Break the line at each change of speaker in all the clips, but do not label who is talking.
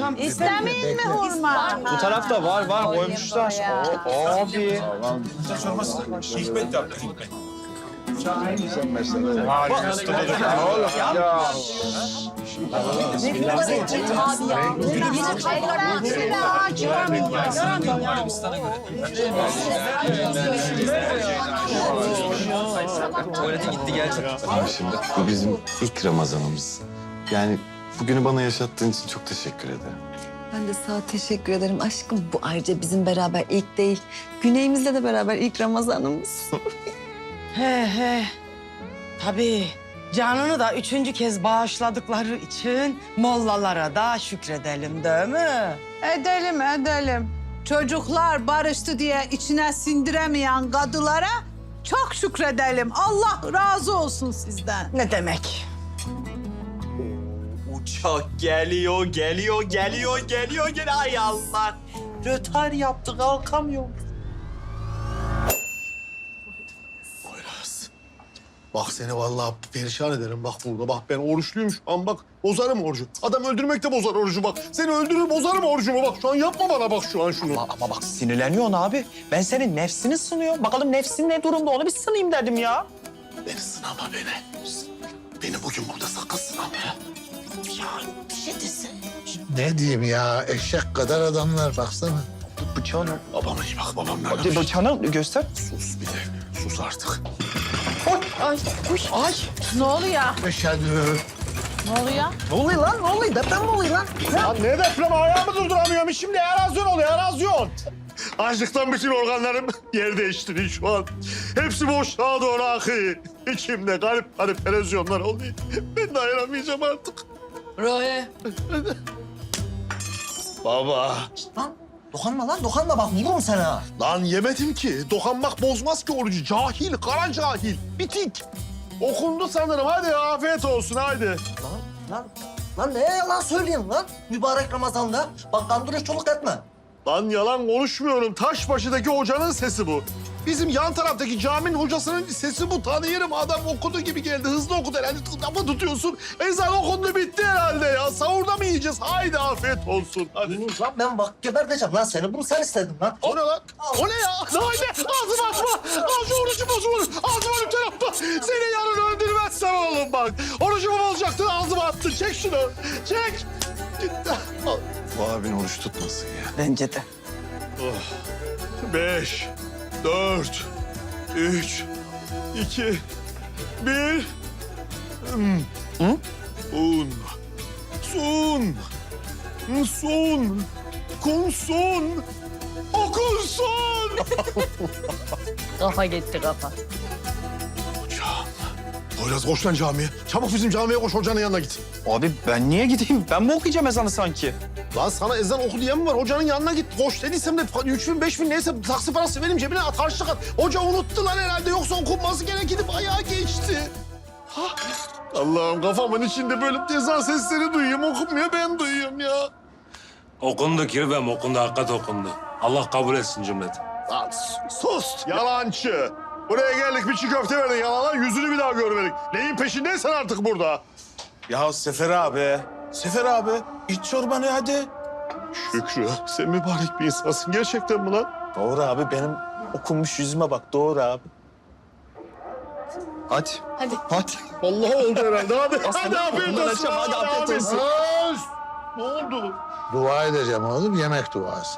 İstemeyin mi hurma?
Bu tarafta var koymuşlar. Abi.
Hikmet yaptı Hikmet.
Tuvalete gitti gelecek.
Abi şimdi bu bizim ilk Ramazanımız. Yani bugünü bana yaşattığın için çok teşekkür ederim.
Ben de sana teşekkür ederim aşkım. Bu ayrıca bizim beraber ilk değil. Güneyimizle de beraber ilk Ramazanımız.
He. Tabii. Canını da 3. kez bağışladıkları için mollalara da şükredelim değil mi?
Edelim. Çocuklar barıştı diye içine sindiremeyen kadılara çok şükredelim. Allah razı olsun sizden.
Ne demek?
Uçak geliyor. Ay Allah. Rötar yaptı kalkamıyor.
Bak seni vallahi perişan ederim bak burada. Bak ben oruçluyum şu an bak. Bozarım orucu. Adam öldürmek de bozar orucu bak. Seni öldürür bozarım orucumu bak. Şu an yapma bana bak şu an şunu.
Ama bak sinirleniyorsun abi. Ben senin nefsini sınıyorum. Bakalım nefsin ne durumda onu bir sınayım dedim ya.
Beni sınama beni. Beni bugün burada sakın sınama ya.
Ne diyeyim ya, eşek kadar adamlar baksana.
Bıçağını.
Babama iyi bak babam nerede?
Bıçağını göster.
Sus bir de. Sus artık.
Ay.
Ne oluyor?
Eşhedü.
Ne oluyor?
Ne oluyor lan? Ne oluyor? Deprem mi oluyor lan?
Lan ne deprem ayağımı durduramıyorum. Şimdi erozyon oluyor erozyon. Açlıktan bütün organlarım yer değiştiriyor şu an. Hepsi boşluğa doğru akıyor. İçimde garip erozyonlar oluyor. Ben dayanamayacağım artık.
Rohe.
Baba.
Dokunma bak vururum sana.
Lan yemedim ki. Dokanmak bozmaz ki orucu. Cahil, kara cahil. Bitik. Okundu sanırım. Hadi afiyet olsun hadi.
Lan neye yalan söyleyeyim lan? Mübarek Ramazan'da. Bak kandırış çoluk etme.
Lan yalan konuşmuyorum. Taşbaşı'daki hocanın sesi bu. Bizim yan taraftaki caminin hocasının sesi bu. Tanıyorum. Adam okudu gibi geldi. Hızlı okudu herhalde. Lafa tutuyorsun. Ezan okundu bitti herhalde ya. Sahurda mı yiyeceğiz? Haydi afiyet olsun. Hadi.
Lan ben bak geberteceğim lan seni. Bunu sen istedin lan.
O ne lan? O ne ya? Lan ne? Ağzımı açma. Ağzı orucu bozulur. Ağzımı lütfen atma. Seni yarın öldürmezsem oğlum bak. Orucumu bozacaktın ağzıma attın. Çek şunu. Çek.
Bu abin oruç tutmasın ya.
Bence de.
5, 4, 3, 2, 1. Sun. Kunsun. Okunsun.
Kafa gitti kafa.
Hocam. Poyraz koş lan camiye. Çabuk bizim camiye koş hocanın yanına git.
Abi ben niye gideyim? Ben mi okuyacağım ezanı sanki?
Lan sana ezan oku diyen mi var? Hocanın yanına git. Koş dediysem de 3.000 5.000 neyse taksi parası vereyim cebine at harçlık at. Hoca unuttu lan herhalde yoksa okunması gerekirdi bayağı geçti. Hah. Allah'ım kafamın içinde böyle ezan sesleri duyuyorum okunmuyor ben duyuyorum ya.
Okundu kirvem okundu hakikat okundu. Allah kabul etsin cümleti.
Lan sus yalancı. Buraya geldik bir çiğ köfte verdin yalana yüzünü bir daha görmedik. Neyin peşindeysen artık burada.
Ya Sefer abi iç çorbanı hadi.
Şükrü sen mübarek bir insansın gerçekten mi lan?
Doğru abi benim okunmuş yüzüme bak doğru abi.
Hadi.
Vallahi oldu herhalde hadi. Hadi
Aslanım,
afiyet
bundan
olsun.
açacağım, hadi afiyet
abi.
olsun.
Öz! Ne oldu?
Dua edeceğim oğlum, yemek duası.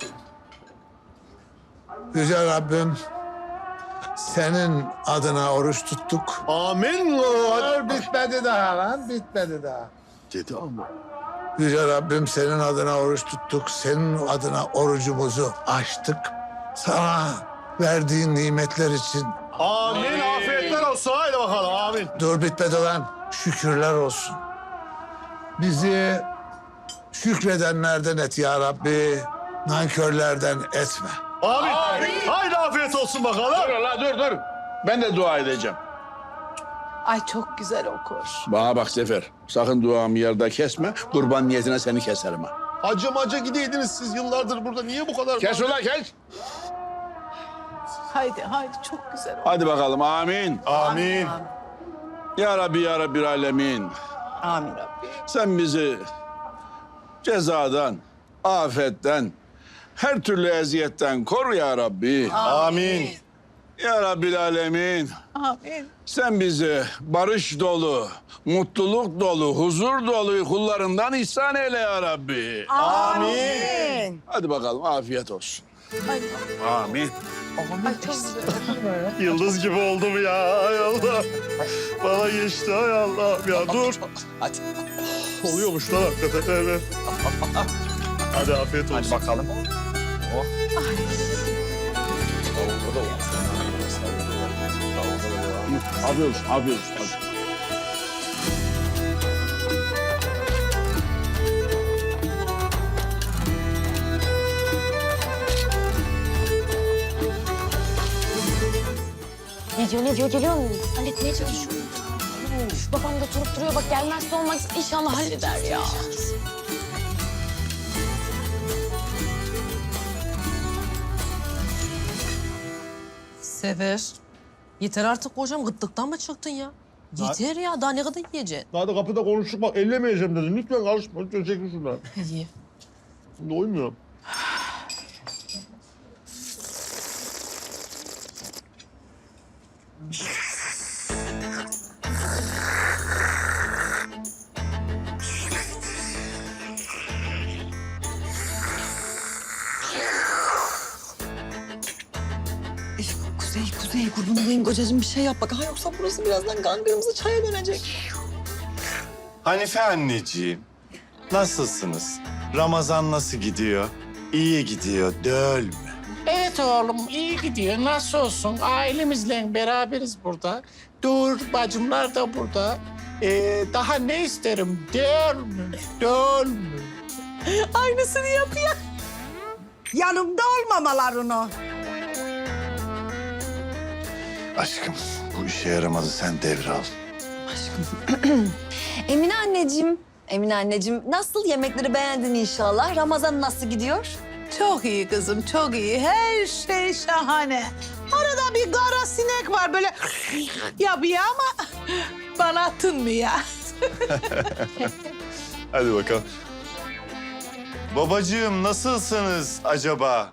Yüce Rabbim, senin adına oruç tuttuk.
Amin.
Bitmedi daha lan, bitmedi daha.
Dedi ama.
Yüce Rabbim, senin adına oruç tuttuk. Senin adına orucumuzu açtık. Sana verdiğin nimetler için
Amin. Afiyetler olsun. Haydi bakalım. Amin.
dur bitmedi lan. Şükürler olsun. Bizi şükredenlerden et ya Rabbi. Nankörlerden etme.
Amin. Haydi afiyet olsun bakalım.
Dur. Ben de dua edeceğim.
Ay çok güzel okur.
Bana bak Sefer. Sakın duamı yarıda kesme. Kurban niyetine seni keserim ha.
Acımaca gideydiniz siz yıllardır burada. Niye bu kadar?
Kes ulan kes.
Haydi çok güzel okur.
Hadi bakalım amin.
Amin.
Ya Rabbi ya Rabbil alemin.
Amin Rabbi.
Sen bizi cezadan, afetten, her türlü eziyetten koru ya Rabbi.
Amin.
Ya Rabbil Alemin.
Amin.
Sen bizi barış dolu, mutluluk dolu, huzur dolu kullarından ihsan eyle ya Rabbi.
Amin.
Hadi bakalım afiyet olsun. Amin.
Yıldız gibi oldum ya. Ay Allah. Bana geçti ay Allah. Ya dur.
Hadi.
Oluyormuş lan hakikaten. Evet. Hadi afiyet olsun.
Hadi bakalım.
Afiyet olsun, afiyet olsun. Hadi.
Ne diyor geliyor mu? Halletmeye çalışıyorum. Üf, babam da durup duruyor bak gelmezse olmaz inşallah halleder ya.
Sefer. Yeter artık kocam gıttıktan mı çıktın ya? Yeter ya daha ne kadar yiyeceksin?
Daha da kapıda konuştuk bak ellemeyeceğim dedin. Lütfen karışma. Lütfen çekin şuradan.
İyi.
Doymuyorum.
Kuzey kurban olayım kocacığım bir şey yap bak. Ha yoksa burası birazdan kan kırmızı çaya dönecek.
Hanife anneciğim, nasılsınız? Ramazan nasıl gidiyor? İyi gidiyor, değil mi?
Evet oğlum iyi gidiyor. Nasıl olsun? Ailemizle beraberiz burada. Dur bacımlar da burada. Daha ne isterim? Değil mi? Değil mi?
Aynısını yapıyor.
Yanımda olmamalarını.
Aşkım, bu işe yaramadı. Sen devral.
Emine anneciğim nasıl yemekleri beğendin inşallah? Ramazan nasıl gidiyor?
Çok iyi kızım, çok iyi. Her şey şahane. Arada bir kara sinek var böyle yapıyor ama bana tınmıyor.
Hadi bakalım. Babacığım, nasılsınız acaba?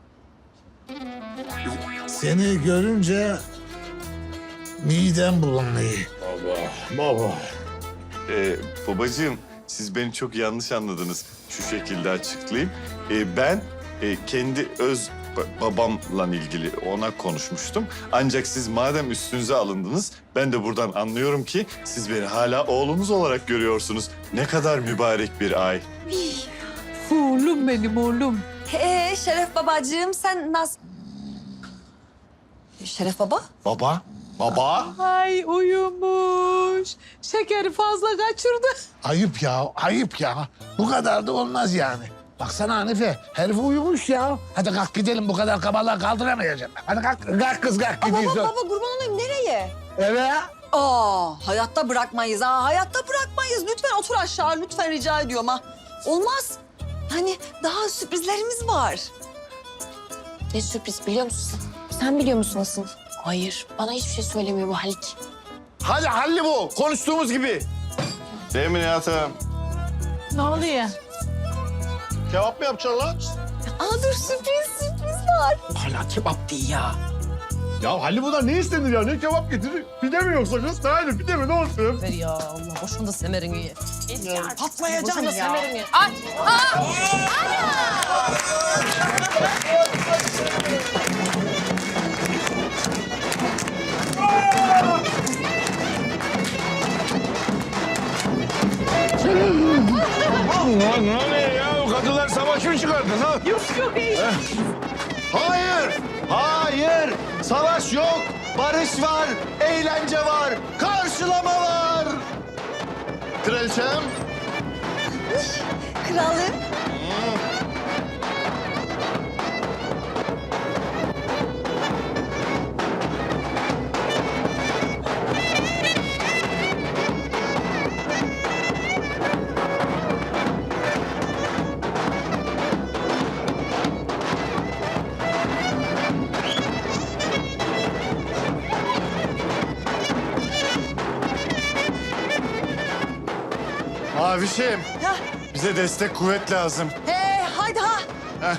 Seni görünce midem bulanıyor.
Baba.
Babacığım, siz beni çok yanlış anladınız. Şu şekilde açıklayayım. Ben kendi öz babamla ilgili ona konuşmuştum. Ancak siz madem üstünüze alındınız, ben de buradan anlıyorum ki siz beni hala oğlunuz olarak görüyorsunuz. Ne kadar mübarek bir ay.
Oğlum benim oğlum.
Şeref babacığım sen nasıl... Şeref baba?
Baba? Baba?
Ay uyumuş. Şekeri fazla kaçırdı.
Ayıp ya, ayıp ya. Bu kadar da olmaz yani. Baksana Hanife, herif uyumuş ya. Hadi kalk gidelim, bu kadar kabalığı kaldıramayacağım. Hadi kalk kız kalk gidiyorsun.
Baba kurban olayım nereye?
Eve.
Hayatta bırakmayız ha, hayatta bırakmayız. Lütfen otur aşağı, lütfen rica ediyorum ha. Olmaz. Hani daha sürprizlerimiz var.
Ne sürpriz biliyor musun? Sen biliyor musun asıl? Hayır bana hiçbir şey söylemiyor bu Halik.
Hadi halli bu. Konuştuğumuz gibi. Değil mi Nihat'ım?
Ne oluyor?
Kebap mı yapacaksın lan?
Dur sürpriz var.
Hala kebap değil ya.
Ya Halil bunlar ne istenir ya? Ne kebap getirir? Pide mi yoksa kız? Hayır pide mi? Ne olsun?
Ver ya Allah boşuna semerini ye.
Patlayacağım ya.
Semerini ye.
Ne oluyor ya? O kadınlar savaş mı çıkardın ha?
Yok iyi.
Hayır. Savaş yok. Barış var. Eğlence var. Karşılama var. Kraliçem.
Kralım.
Mavişim. Bize Bize destek kuvvet lazım.
Haydi ha.
Heh.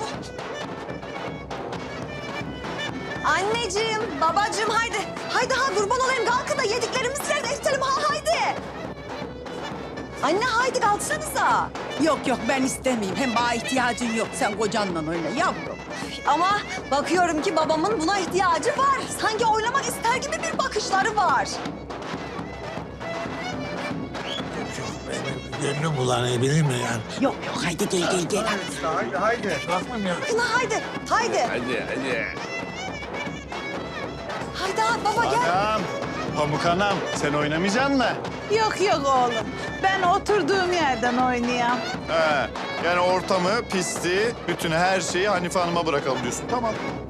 Anneciğim, babacığım haydi. Haydi ha kurban olayım kalkın da yediklerimizi yerine isterim ha haydi. Anne haydi kalksanıza.
Yok yok ben istemeyeyim. Hem bana ihtiyacın yok. Sen kocanla oyna yavrum.
Ama bakıyorum ki babamın buna ihtiyacı var. Sanki oynamak ister gibi bir bakışları var.
Gönlüm bulanabilir mi yani?
Yok yok haydi gel.
Haydi. Bakmam ya.
Kına haydi, haydi.
Hadi.
Haydi ha baba gel.
Anam, Pamuk anam sen oynamayacaksın mı?
Yok oğlum. Ben oturduğum yerden oynayayım.
He, yani ortamı, pisti, bütün her şeyi Hanife Hanım'a bırakalım diyorsun. Tamam.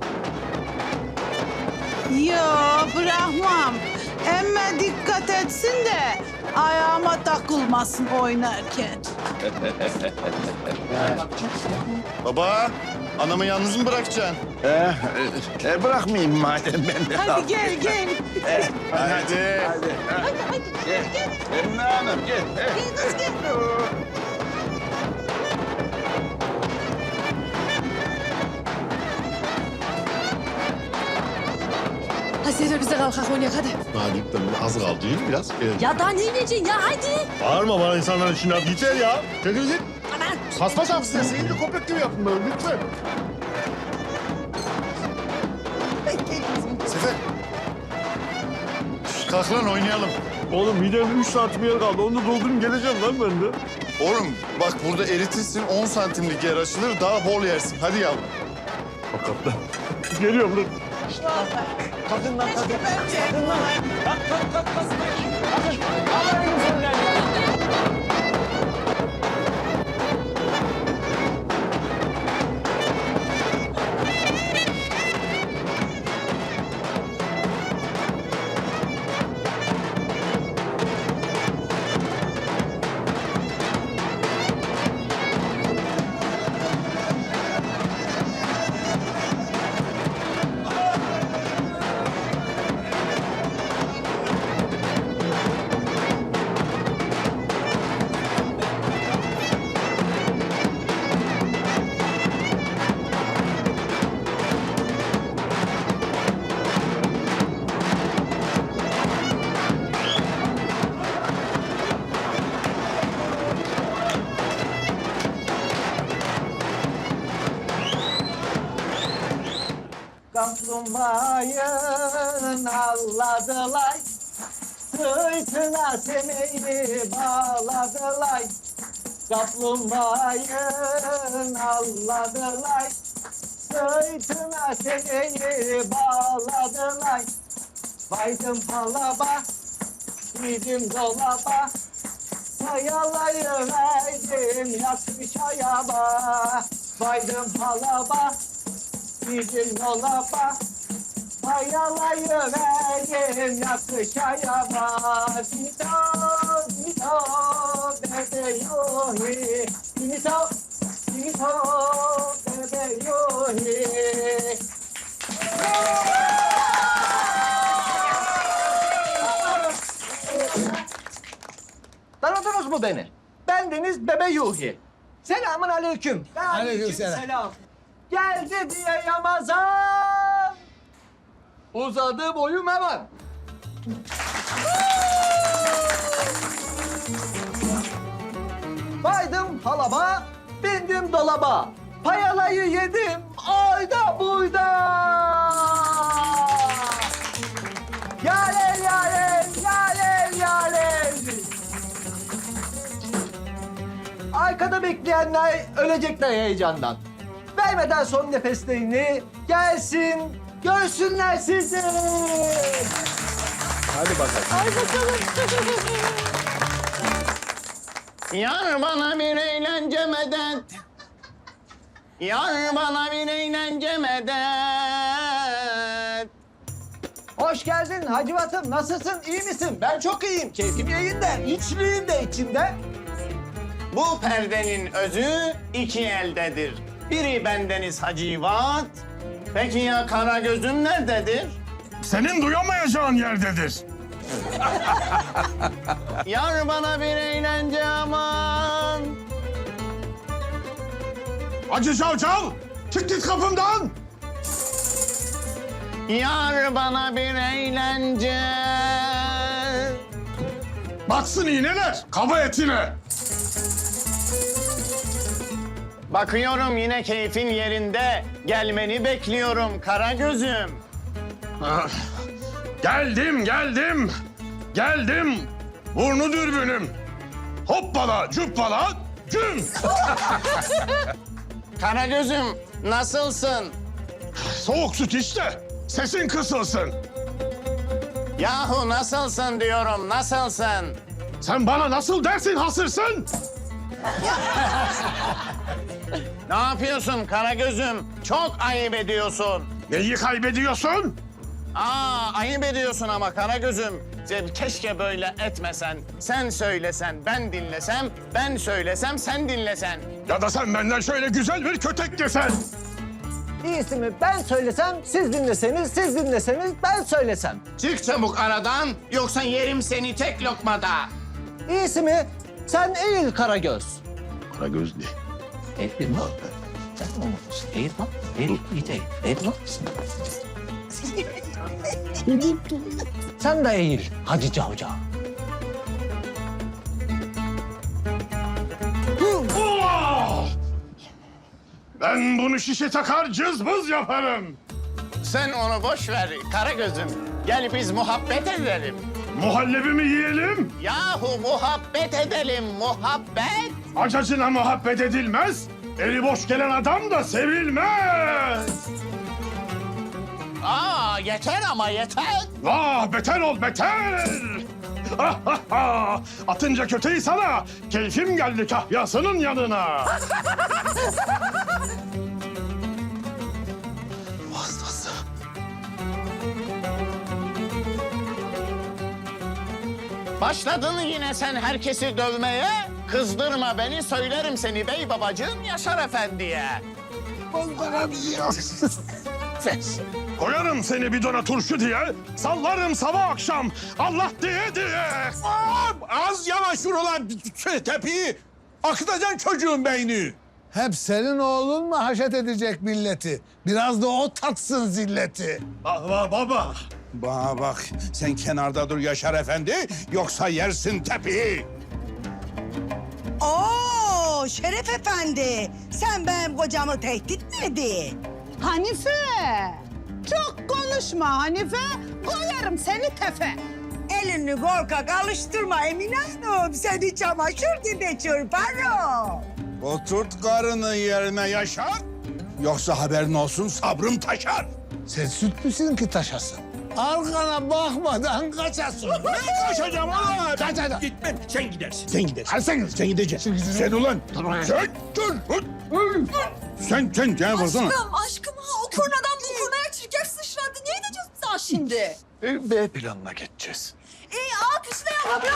Yok bırakmam. Emme dikkat etsin de ayağıma takılmasın oynarken.
Baba, anamı yalnız mı bırakacaksın?
Bırakmayayım madem ben de.
Hadi gel.
Hadi.
Emine Hanım gel.
Hadi Sefer biz de kalkak oynayak hadi.
Daha gittim. Az kaldı değil mi biraz?
Ya daha ne ineceksin ya hadi.
Bağırma bana insanların içinde. Hadi yeter ya. Çekil git.
Aman.
Kasma şapsın. Seyirci köpek gibi yapın böyle lütfen.
Sefer. Kalk lan oynayalım.
Oğlum midemde 3 santim yer kaldı. Onu da doldurayım geleceğim lan ben de.
Oğlum bak burada eritirsin 10 santimlik yer açılır daha bol yersin. Hadi yavrum.
Hakikaten. Geliyorum lan. Kalkın lan kalkın. Kalkın lan. Kalk.
Kaplumbağayın alladılar, sırtına semeyi bağladılar. Kaplumbağayın alladılar, sırtına semeyi bağladılar. Baydım halaba, giydim dolaba, sayalayı verdim yatmış ayaba. Baydım halaba, giydim dolaba, sayalayı verdim yatmış ayaba. Dito, dito, bebe yuhi, dito, dito, bebe yuhi. Tanıdınız mı beni? Bendeniz Bebe Yuhi. Selamun aleyküm.
Aleykümselam.
Geldi diye Ramazan. Uzadı boyum hemen. Baydım halaba, bindim dolaba. Payalayı yedim ayda buyda. Yalel yalel, yalel yalel. Arkada bekleyenler ölecekler heyecandan. Vermeden son nefeslerini gelsin, görsünler sizi.
Hadi bakalım.
Ay bakalım.
Yar bana bir eğlence medet. Yar bana bir eğlence medet.
Hoş geldin Hacivat'ım. Nasılsın? İyi misin? Ben çok iyiyim. Keyfim yerinde. İçliyim de içinde.
Bu perdenin özü iki eldedir. Biri bendeniz Hacivat. Peki ya kara gözüm nerededir?
Senin duyamayacağın yerdedir.
Yar bana bir eğlence aman.
Hacı Cavcav, çık git kapımdan.
Yar bana bir eğlence.
Batsın iğneler, kaba etine.
Bakıyorum yine keyfin yerinde. Gelmeni bekliyorum kara gözüm.
Ah, geldim. Burnu dürbünüm. Hoppala, cuppala, güm.
Kara gözüm nasılsın?
Soğuk süt işte, sesin kısılsın.
Yahu nasılsın diyorum, nasılsın?
Sen bana nasıl dersin hasırsın?
Ne yapıyorsun kara gözüm? Çok ayıp ediyorsun.
Neyi kaybediyorsun?
Ayıp ediyorsun ama kara gözüm. Keşke böyle etmesen. Sen söylesen, ben dinlesem. Ben söylesem, sen dinlesen.
Ya da sen benden şöyle güzel bir kötek yesen.
İyisi mi ben söylesem, siz dinleseniz, siz dinleseniz ben söylesem.
Çık çabuk aradan yoksa yerim seni tek lokmada.
İyisi mi sen eğil Karagöz.
Karagöz ne?
Eğil mi? Sen mi olursun? Eğil lan. Eğil, iyi değil. Eğil lan. Sen de eğil Hacı Cavcav.
Ben bunu şişe takar cızbız yaparım.
Sen onu boş ver kara gözüm. Gel biz muhabbet edelim.
Muhallebimi yiyelim.
Yahu muhabbet edelim, muhabbet.
Acacına muhabbet edilmez. Eli boş gelen adam da sevilmez.
Yeter ama yeter.
Vah beter ol beter. Atınca köteyi sana, keyfim geldi kahyasının yanına. Hastası.
Başladın yine sen herkesi dövmeye. Kızdırma beni, söylerim seni bey babacığım Yaşar Efendi'ye.
Koyarım seni bidona turşu diye, sallarım sabah akşam Allah diye.
Az yavaş vur ulan tepiyi. Akıtacaksın çocuğun beyni.
Hep senin oğlun mu haşet edecek milleti? Biraz da o tatsın zilleti.
Baba. Bana bak sen kenarda dur Yaşar Efendi yoksa yersin tepiyi.
Oo Şeref Efendi. Sen benim kocamı tehdit mi edin?
Hanife! Çok konuşma Hanife. Koyarım seni tefe.
Elini korkak alıştırma Emine Hanım. Seni çamaşır gibi çırparım.
Oturt karını yerine Yaşar. Yoksa haberin olsun sabrım taşar.
Sen süt müsün ki taşasın? Arkana bakmadan kaçasın.
Ben kaçacağım ulan.
Kaçacağım.
Gitmem. Sen gidersin. Sen gidersin. Hadi sen gideceksin. Sen ulan. Sen dur. Sen gel baksana.
Aşkım o kurnadan bu kurnaya çirkef sıçradı. Ne edeceğiz biz daha şimdi?
B planına geçeceğiz.
İyi alkışlayalım.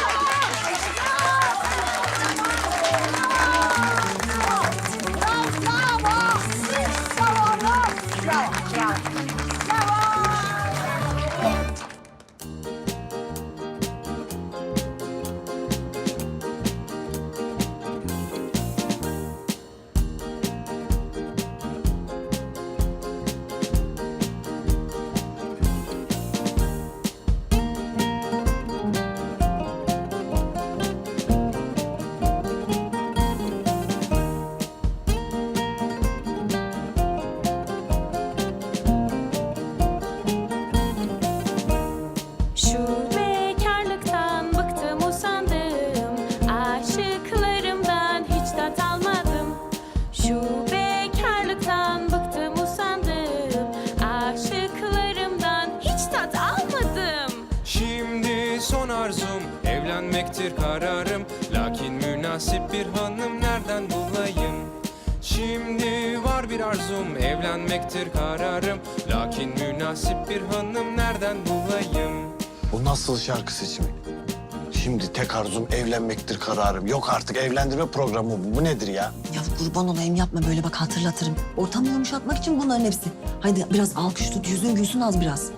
Şu bekarlıktan bıktım usandım, aşıklarımdan hiç tat almadım. Şu bekarlıktan bıktım usandım, aşıklarımdan hiç tat almadım.
Şimdi son arzum evlenmektir kararım. Lakin münasip bir hanım nereden bulayım? Şimdi var bir arzum evlenmektir kararım. Lakin münasip bir hanım nereden bulayım?
Bu nasıl şarkı seçimi? Şimdi tek arzum evlenmektir kararım. Yok artık evlendirme programı bu. Bu nedir ya?
Ya kurban olayım yapma böyle bak hatırlatırım. Ortamı yumuşatmak için bunların hepsi. Haydi biraz alkış tut yüzün gülsün az biraz.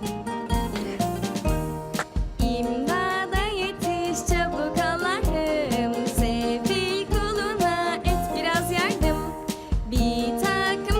İmdada yetiş çabuk Allah'ım, sevdiği kuluna et biraz yardım. Bir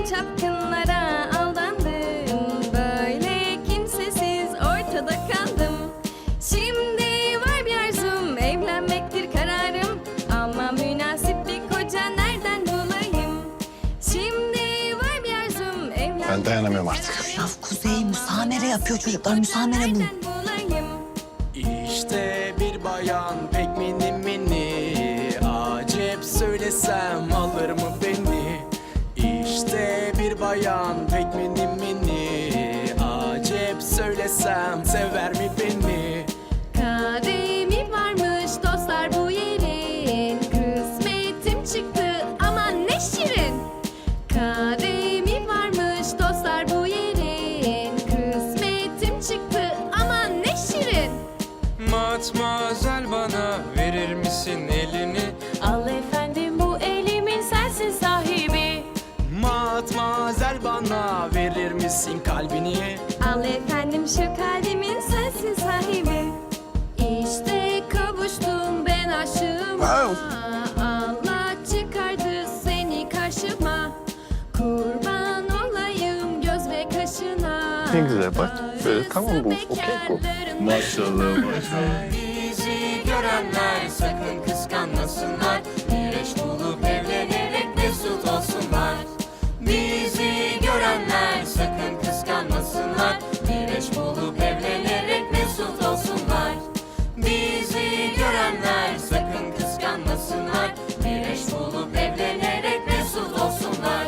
Bütün çapkınlara aldandım. Böyle kimsesiz ortada kaldım. Şimdi var bir arzum, evlenmektir kararım. Ama münasip bir koca nereden bulayım? Şimdi var bir arzum, evlenmektir
Ben dayanamıyorum artık.
Ya Kuzey müsamere yapıyor çocuklar. Müsamere bu.
nereden bulayım?
İşte bir bayan pek mini mini, acep söylesem alır mı beni? İşte bir bayan pek mini mini, acep söylesem sever mi beni?
Kademi varmış dostlar bu yerin. Kısmetim çıktı aman ne şirin. Kademi varmış dostlar bu yerin. Kısmetim çıktı aman ne şirin.
Matmazel bana verir misin elini?
Al efendim bu elimin sensin sahibi.
Matmazel bana verir misin kalbini?
Al efendim şu kalbimin sensin sahibi. İşte kavuştum ben aşığıma. Allah çıkardı seni karşıma. Kurban olayım göz ve kaşına.
Ne güzel bak. Böyle tamam bu. Okey bu.
Maşallah maşallah.
Bizi görenler sakın kıskanmasınlar. Bir eş bulup evlenerek mesut olsunlar. Bizi görenler sakın kıskanmasınlar. Bir eş bulup evlenerek mesut olsunlar. Bizi görenler sakın kıskanmasınlar. Bir eş bulup evlenerek mesut olsunlar.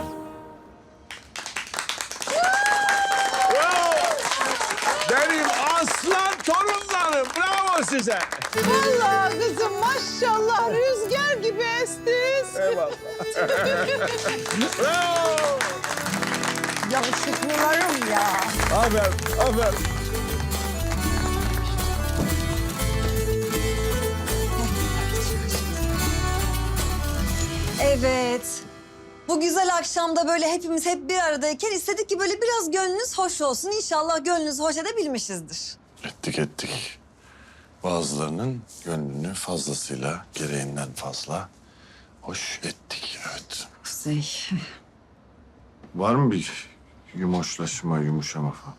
Benim aslan torunlarım. Bravo size.
Vallahi kızım maşallah rüzgar gibi estis.
Eyvallah. Bravo.
Yakışıklılarım ya.
Aferin, aferin.
Evet. Bu güzel akşamda böyle hepimiz hep bir aradayken istedik ki böyle biraz gönlünüz hoş olsun. İnşallah gönlünüzü hoş edebilmişizdir.
Ettik. Bazılarının gönlünü fazlasıyla, gereğinden fazla hoş ettik. Evet.
Kuzey.
Var mı bir yumuşama falan?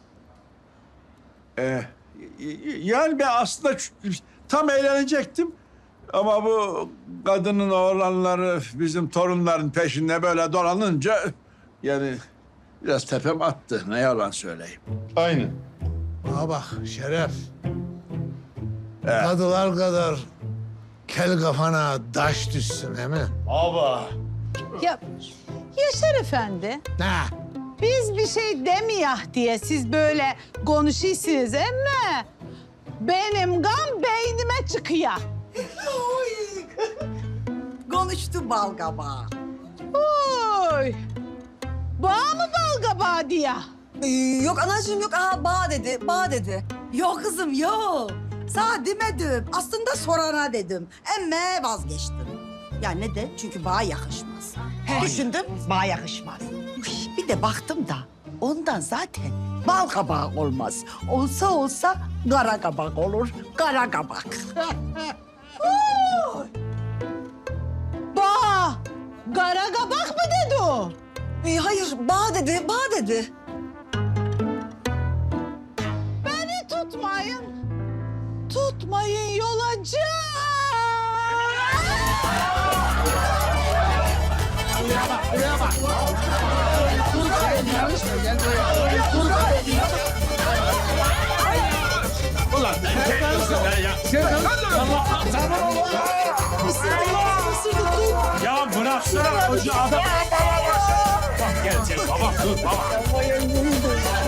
Yani ben aslında tam eğlenecektim. Ama bu kadının oğlanları bizim torunların peşinde böyle dolanınca... yani biraz tepem attı. Ne yalan söyleyeyim.
Aynen.
Bana bak Şeref. Kadılar kadar kel kafana taş düşsün değil mi?
Ya Yaşar Efendi,
Ne?
biz bir şey demiyah diye siz böyle konuşuyorsunuz ama benim gam beynime çıkıyor.
Konuştu balgaba.
Oy! Bağ mı balgabağı diye?
Yok anacığım yok. Aha bağ dedi, bağ dedi.
Yok kızım yok. Sana demedim. Aslında sorana dedim. Emme vazgeçtim. Ya ne de çünkü bağa yakışmaz. Düşündüm bağa yakışmaz. Bir de baktım da ondan zaten bal kabağı olmaz. Olsa olsa kara kabak olur. Kara kabak.
Bağ! Garagabak mı dedi o?
Hayır bağ dedi, bağ dedi.
Beni tutmayın. Tutmayın yolacı.
Ya bıraksana koca adam. Bak gel baba dur baba.